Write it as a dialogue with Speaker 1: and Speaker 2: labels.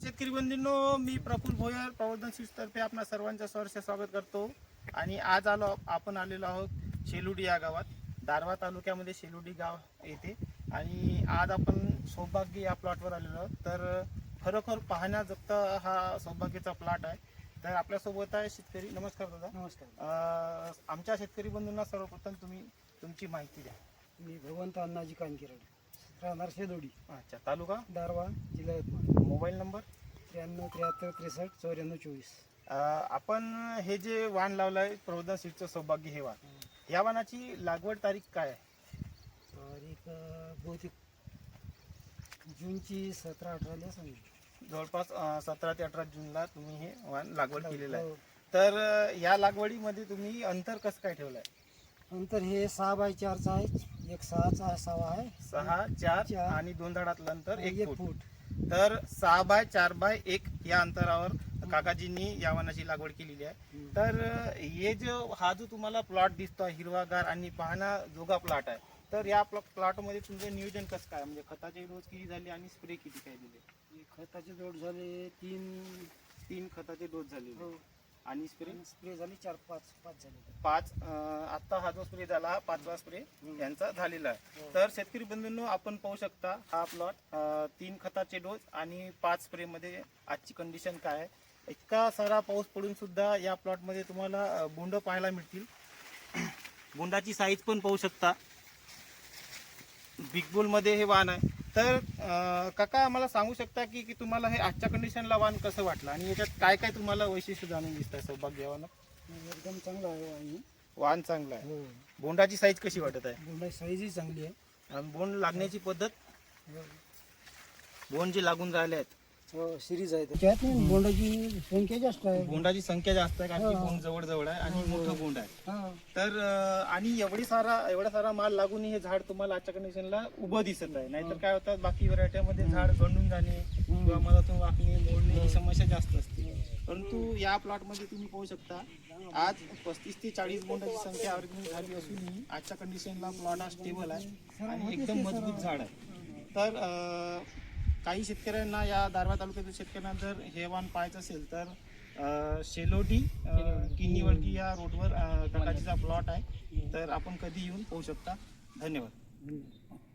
Speaker 1: शेतकरी बंधूंनो, मी प्रफुल्ल भोयर प्रवर्धन सीड्स तर्फे आपणा सर्वांचं सहर्ष स्वागत करतो. आणि आज आपण आलेलो आहोत शेलुडी या गावात, दारव्हा तालुक्यामध्ये शेलुडी गाव येते. आणि आज आपण सौभाग्य या प्लॉटवर आलेलो आहोत. तर खरोखर पाहण्याजोगता हा सौभाग्याचा प्लॉट आहे. तर आपल्यासोबत आहे शेतकरी. नमस्कार दादा.
Speaker 2: नमस्कार.
Speaker 1: आमच्या शेतकरी बंधूंना सर्वप्रथम तुम्ही तुमची माहिती द्या.
Speaker 2: मी भगवंत अण्णाजी कानकिरड, राहणार शेलोडी,
Speaker 1: अच्छा, तालुका
Speaker 2: दारवा, जिल्हा यवतमाळ.
Speaker 1: Mobile number
Speaker 2: 93 73 63 94 24.
Speaker 1: आपण हे जे वाण लावलंय प्रवर्धन सीडचं सौभाग्य हे वाण, या वाणाची लागवड तारीख काय आहे?
Speaker 2: तारीख बहुतेक जूनची 17-18ला सांगितली.
Speaker 1: जवळपास 17 ते 18 जूनला तुम्ही हे वाण लागवड केलेलं आहे.
Speaker 2: हो.
Speaker 1: तर या लागवडीमध्ये तुम्ही अंतर कसं काय ठेवलंय?
Speaker 2: नंतर हे 6x4चा आहे, एक 6चा 6 आहे,
Speaker 1: 6, 4
Speaker 2: 4
Speaker 1: आणि 2 धडातलं अंतर 1
Speaker 2: 1
Speaker 1: फूट.
Speaker 2: फूट.
Speaker 1: तर 6x4x1 या अंतरावर काकाजींनी या वाणाची लागवड केलेली आहे. तर हे हा जो तुम्हाला प्लॉट दिसतो हिरवागार आणि पाहण्याजोगा प्लॉट आहे, तर या प्लॉटमध्ये तुमचं नियोजन कसं काय, म्हणजे खताचे डोस किती झाले आणि स्प्रे किती काय दिले?
Speaker 2: खताचे जोड झाले
Speaker 1: 3 खताचे डोस झाले आणि
Speaker 2: स्प्रे झाले 4-5 झाले.
Speaker 1: 5. आता हा जो स्प्रे झाला 5वा स्प्रे यांचा झालेला आहे. तर शेतकरी बंधूंनो, आपण पाहू शकता हा प्लॉट 3 खताचे डोस आणि 5 स्प्रे मध्ये आजची कंडिशन काय आहे. इतका सारा पाऊस पडून सुद्धा या प्लॉट मध्ये तुम्हाला बोंड पाहायला मिळतील. बोंडाची साईज पण पाहू शकता. बिग बुल मध्ये हे वाण आहे. तर काका, मला सांगू शकता की तुम्हाला हे आजच्या कंडिशनला वाण कसं वाटलं आणि याच्यात काय काय तुम्हाला वैशिष्ट्य जाणून दिसतंय सौभाग्य वाणात?
Speaker 2: एकदम चांगला आहे आणि
Speaker 1: वाण चांगलं आहे.
Speaker 2: हो,
Speaker 1: बोंडाची साईज कशी वाटत आहे?
Speaker 2: बोंडाची साईजही चांगली आहे.
Speaker 1: आणि बोंड लागण्याची पद्धत,
Speaker 2: हो.
Speaker 1: बोंड जे लागून राहिले आहेत,
Speaker 2: हो, सिरीज आहे त्याच्यात. बोंडाची संख्या जास्त आहे.
Speaker 1: बोंडाची संख्या जास्त आहे कारण की बोंड जवळ जवळ आहे आणि मोठं बोंड आहे.
Speaker 2: हा.
Speaker 1: तर आणि एवढा सारा माल लागून हे झाड तुम्हाला आजच्या कंडिशनला उभं दिसत आहे. नाहीतर काय होतं, बाकी व्हरायटीमध्ये झाड गंडून जाणे किंवा मधातून वाकणे, मोडणे ही समस्या जास्त असते. परंतु या प्लॉटमध्ये तुम्ही पाहू शकता आज 35 ते 40 बोंडाची संख्या ऑर्गॅनिक झाली असूनही आजच्या कंडिशनला प्लॉट हा स्टेबल आहे आणि एकदम मजबूत झाड आहे. तर काही शेतकऱ्यांना, या दारव्हा तालुक्यातील शेतकऱ्यांना जर हे वाण पाहायचं असेल तर शेलोडी किन्नीवळगी या रोडवर काकाजीचा प्लॉट आहे. तर आपण कधी येऊन पाहू शकता. धन्यवाद.